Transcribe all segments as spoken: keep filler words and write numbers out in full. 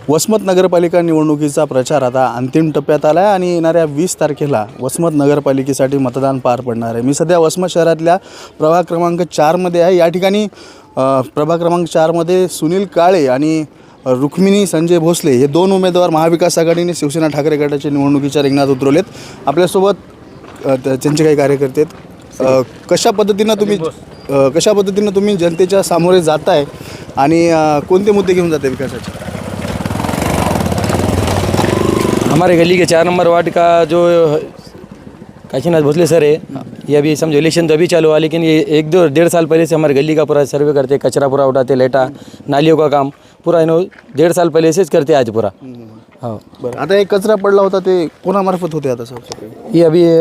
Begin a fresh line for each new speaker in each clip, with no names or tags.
वसमत नगरपालिका निवडणुकीचा प्रचार आता अंतिम टप्प्यात आला आहे आणि येणाऱ्या वीस तारखेला वसमत नगरपालिकेसाठी मतदान पार पडणार आहे। मी सध्या वसमत शहरातल्या प्रभाग क्रमांक चारमध्ये आहे। या ठिकाणी प्रभाग क्रमांक चारमध्ये सुनील काळे आणि रुक्मिणी संजय भोसले हे दोन उमेदवार महाविकास आघाडीने शिवसेना ठाकरे गटाच्या निवडणुकीच्या रिंगणात उतरवलेत। आपल्यासोबत त्यांचे काही कार्यकर्ते आहेत। कशा पद्धतीनं तुम्ही कशा पद्धतीनं तुम्ही जनतेच्या सामोरे जाताय आणि कोणते मुद्दे घेऊन जाते विकासाचे?
हमारे गली के चार नंबर वार्ड का जो काशीनाथ भोसले सर है, ये अभी समझो इलेक्शन तो अभी चालू हुआ, लेकिन ये एक दो डेढ़ साल पहले से हमारे गली का पूरा सर्वे करते, कचरा पूरा उठाते, लेटा नालियों का काम पूरा इन्हों डेढ़ साल पहले से करते आज पूरा। हाँ
बरं, आता एक कचरा पडला होता ते कोणामार्फत होते आता सबसे?
ये अभी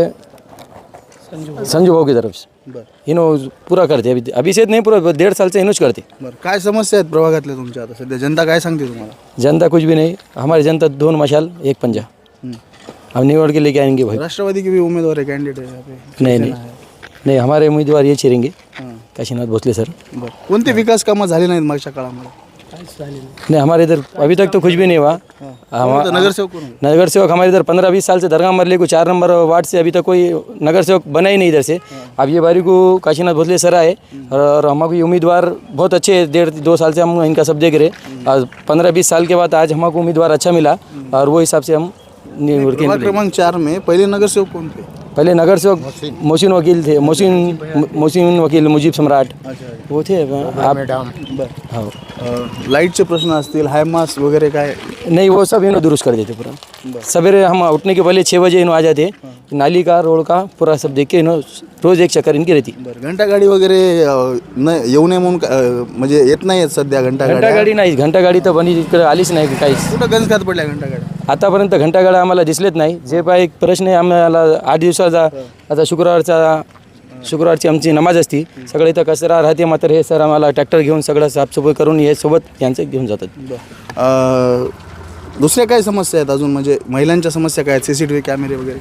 संजू भाऊ की तरफ से
बरं
इन्हों पूरा करते, अभी अभी से नहीं, पूरा डेढ़ साल से इन्होंच करते।
बरं, काय समस्या आहेत प्रभागातल्या तुमच्या आता सध्या? जनता काय सांगते तुम्हाला?
जनता कुछ भी नहीं, हमारी जनता दोन मशाल एक पंजा, हम निवड़ के लेके आएंगे भाई।
राष्ट्रवादी के भी उम्मीदवार है, कैंडिडेट है यहाँ पे?
नहीं नहीं नहीं, हमारे उम्मीदवार ये छिरेंगे काशीनाथ भोसले सर।
बरं, कोणते विकास कामं झाले नाहीत मागच्या काळामध्ये?
नहीं, हमारे इधर अभी तक तो कुछ भी नहीं हुआ।
तो नगरसेवक कौन है?
नगर सेवक हमारे इधर पंद्रह बीस साल से दरगाह मरले को चार नंबर वार्ड से अभी तक कोई नगर सेवक बना ही नहीं इधर से। अब ये बारी को काशीनाथ भोसले सर आए और हमारे उम्मीदवार बहुत अच्छे, डेढ़ दो साल से हम इनका सब देख रहे। और पंद्रह बीस साल के बाद आज हमको उम्मीदवार अच्छा मिला और वो हिसाब से हम
प्रभाग क्रमांक चार में पहले नगरसेवक कौन थे?
पहले नगर सेवक मोहसिन वकील थे, मोहसिन मोहसिन वकील मुजीब सम्राट वो थे। आप हाँ,
लाईटचे प्रश्न असतील, हायमास वगैरे काय?
नहीं, वो सब इन्हों दुरुस्त कर देते पूरा। सवेरे हम उठने के पहले छः बजे इन्हों आ जाते, नाली का रोड का पूरा सब देख के इन्हों रोज एक चक्कर इनकी रहती।
बरं, घंटा गाडी वगैरे न येऊ नये म्हणून का- म्हणजे येत नाही आहेत सध्या घंटा
घंटा
गाडी?
गाडी नाही, घंटा गाडी तर बनी इकडे आलीच नाही काहीच।
कुठं गंज खात पडल्या घंटा गाड्या?
आतापर्यंत घंटा गाड्या आम्हाला दिसलेत नाही। जे पाय एक प्रश्न आहे, आम्हाला आठ दिवसाचा आता शुक्रवारचा शुक्रवारची आमची नमाज असती, सगळे इथं कचरा राहते, मात्र हे सर आम्हाला ट्रॅक्टर घेऊन सगळं साफसफाई करून हे सोबत यांचं घेऊन जातात।
अं, दुसऱ्या काय समस्या आहेत अजून? म्हणजे महिलांच्या समस्या काय आहेत? सी सी टी व्ही कॅमेरे वगैरे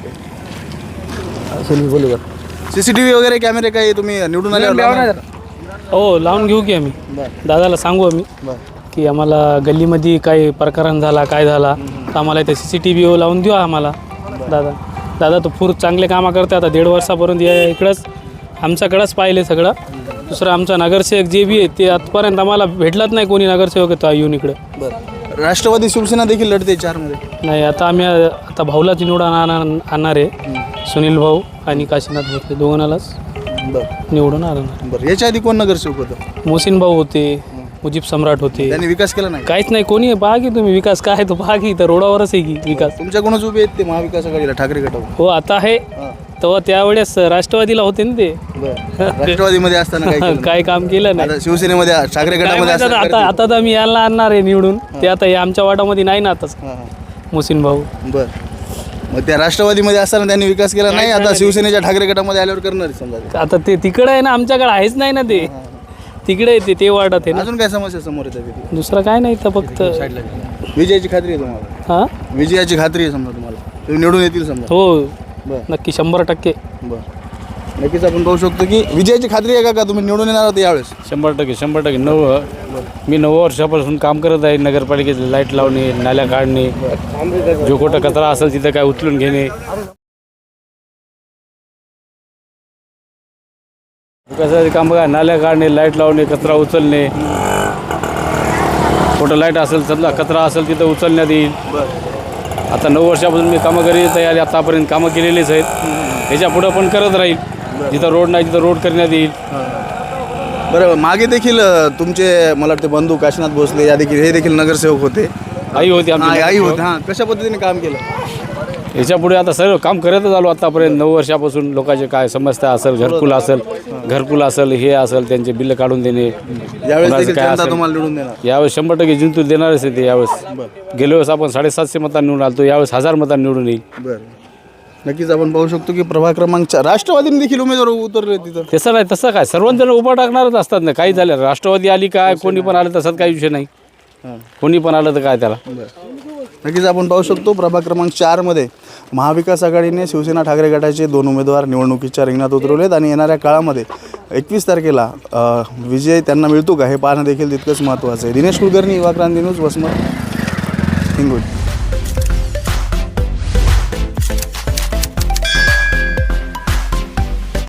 काय?
सुनील बोलू का?
सी सी टी व्ही वगैरे कॅमेरे काय तुम्ही निवडून आल्यावर?
हो, लावून घेऊ की आम्ही। दादाला सांगू आम्ही की आम्हाला गल्लीमध्ये काय प्रकरण झाला, काय झाला तर आम्हाला इथे सी सी टी व्ही लावून देऊ आम्हाला। दादा दादा तो पूर चांगले कामं करते। आता दीड वर्षापर्यंत या इकडंच आमच्याकडंच पाहिले सगळं। दुसरं आमचा नगरसेवक जे बी आहे ते आजपर्यंत आम्हाला भेटलाच नाही, कोणी नगरसेवक येतो येऊन इकडे।
बरं, राष्ट्रवादी शिवसेना देखील लढते चारमध्ये?
नाही, आता आम्ही आता भाऊलाच निवडून आणणार आणणार आहे, सुनील भाऊ आणि काशीनाथ भोसले दोघांनालाच
बरं
निवडून आणणार।
बरं, याच्या आधी कोण नगरसेवक होतं?
मोहसिन भाऊ होते, मुजीब सम्राट होते।
त्यांनी विकास केला नाही?
काहीच नाही, कोणी पहा की तुम्ही विकास काय तो पहा की, तर रोडावरच आहे की विकास।
तुमच्याकडूनच उभे आहेत ते महाविकास आघाडीला, ठाकरे गटावर?
हो, आता आहे तेव्हा त्यावेळेस राष्ट्रवादीला होते ना ते।
राष्ट्रवादीमध्ये असताना काय केलं?
काय काम केलं नाही।
आता शिवसेनेमध्ये ठाकरे
काय
गटामध्ये
माहित आता आता आता तर मी यायला आणणार आहे निवडून, ते आता हे आमच्या वाटामध्ये नाही ना आताच मोहसिन भाऊ।
बर, मग त्या राष्ट्रवादीमध्ये असताना त्यांनी विकास केला नाही, आता शिवसेनेच्या ठाकरे गटामध्ये आल्यावर करणार समजा?
आता ते तिकडे आहे ना, आमच्याकडे आहेच नाही ना, ते तिकडे येते ते वाटत आहे ना।
अजून काय समस्या समोर येतात?
दुसरं काय नाही तर फक्त
विजयाची खात्री आहे तुम्हाला?
हां,
विजयाची खात्री आहे समजा तुम्हाला? तुम्ही निवडून येतील समजा?
हो
बरं
नक्की, शंभर टक्के।
बरं, नक्कीच आपण पाहू शकतो की विजयाची खात्री आहे का का तुम्ही निवडून येणार आहात यावेळेस?
शंभर टक्के शंभर टक्के नऊ मी नऊ वर्षापासून काम करत आहे नगरपालिकेत। लाईट लावणे, नाल्या काढणे, जो कुठं कचरा असेल तिथं काय उचलून घेणे, विकासाचे काम बघा, नाल्या काढणे, लाईट लावणे, कचरा उचलणे, कुठं लाईट असेल समजा कचरा असेल तिथं उचलण्यात येईल। आता नऊ वर्षापासून मी कामं करीत आहे, आतापर्यंत कामं केलेलीच आहेत, ह्याच्या पुढं पण करत राहील। जिथं रोड नाही तिथं रोड करण्यात येईल।
बरं, मागे देखील तुमचे मला वाटते बंधू काशीनाथ भोसले या देखील हे देखील नगरसेवक होते,
आई होती
हां,
आमची,
आई होते। हां, कशा पद्धतीने काम केलं?
ह्याच्या पुढे आता सर्व काम करतच आलो आतापर्यंत नऊ वर्षापासून। लोकांचे काय समस्या असेल, घरकुल असेल घरकुल असेल हे असेल, त्यांचे बिल्ल काढून देणे,
यावेळेस
कोणाचं
देखील
काय
जनता
असेल
तुम्हाला निवडून देणार?
यावेळेस शंभर टक्के जिंतून देणारच आहे ते। यावेळेस गेल्या वेळेस आपण साडेसातशे मतांनी निवडून आलो, यावेळेस हजार मतांनी निवडून येईल।
बरं, नक्कीच आपण पाहू शकतो की प्रभाग क्रमांक चार राष्ट्रवादीने देखील उमेदवार उतरले तिथं.
तसं नाही, तसं काय सर्वजण उभा टाकणारच असतात ना, काही झालं राष्ट्रवादी आली काय कोणी पण आलं तसंच काही विषय नाही, कोणी पण आलं तर काय त्याला।
नक्कीच आपण पाहू शकतो प्रभाग क्रमांक चारमध्ये महाविकास आघाडीने शिवसेना ठाकरे गटाचे दोन उमेदवार निवडणुकीच्या रिंगणात उतरवलेत आणि येणाऱ्या काळामध्ये एकवीस तारखेला विजय त्यांना मिळतो का हे पाहणं देखील तितकंच महत्त्वाचं आहे। दिनेश कुलकर्णी, युवा क्रांती न्यूज, वसमत। हिंगोली.